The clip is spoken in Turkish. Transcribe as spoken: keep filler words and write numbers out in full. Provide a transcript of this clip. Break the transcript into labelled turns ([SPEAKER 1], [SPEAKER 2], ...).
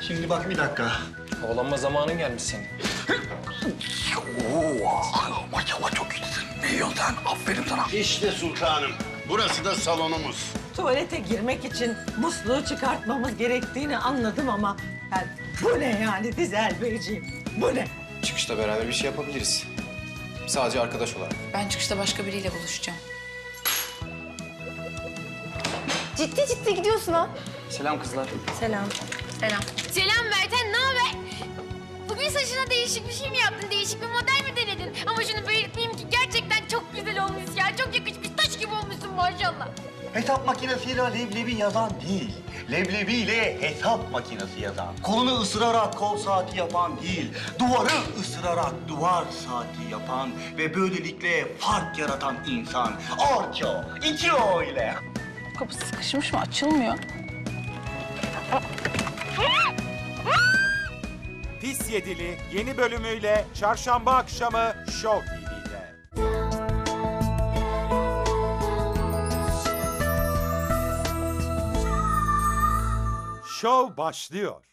[SPEAKER 1] Şimdi bak bir dakika.
[SPEAKER 2] Havalanma zamanın gelmiş senin.
[SPEAKER 1] Oo, maşallah çok iyisin. Ne yiyorsun sen? Aferin sana.
[SPEAKER 3] İşte sultanım. Burası da salonumuz.
[SPEAKER 4] Tuvalete girmek için musluğu çıkartmamız gerektiğini anladım ama... Yani bu ne yani Dizel Beyciğim? Bu ne?
[SPEAKER 2] Çıkışta beraber bir şey yapabiliriz. Sadece arkadaş olarak.
[SPEAKER 5] Ben çıkışta başka biriyle buluşacağım.
[SPEAKER 6] Ciddi ciddi gidiyorsun ha.
[SPEAKER 2] Selam kızlar.
[SPEAKER 6] Selam.
[SPEAKER 5] Selam.
[SPEAKER 7] Selam Merten, ne haber? Bugün saçına değişik bir şey mi yaptın? Değişik bir model mi denedin? Ama şunu belirtmeyeyim ki gerçekten çok güzel olmuş ya. Çok yakışmış, taş gibi olmuşsun maşallah.
[SPEAKER 1] Hesap makinesiyle leblebi yazan değil. Leblebiyle hesap makinesi yazan. Kolunu ısırarak kol saati yapan değil. Duvarı ısırarak duvar saati yapan ve böylelikle fark yaratan insan. Orço, İço ile.
[SPEAKER 5] Kapı sıkışmış mı? Açılmıyor.
[SPEAKER 8] Pis Yedili yeni bölümüyle çarşamba akşamı Show T V'de. Show başlıyor.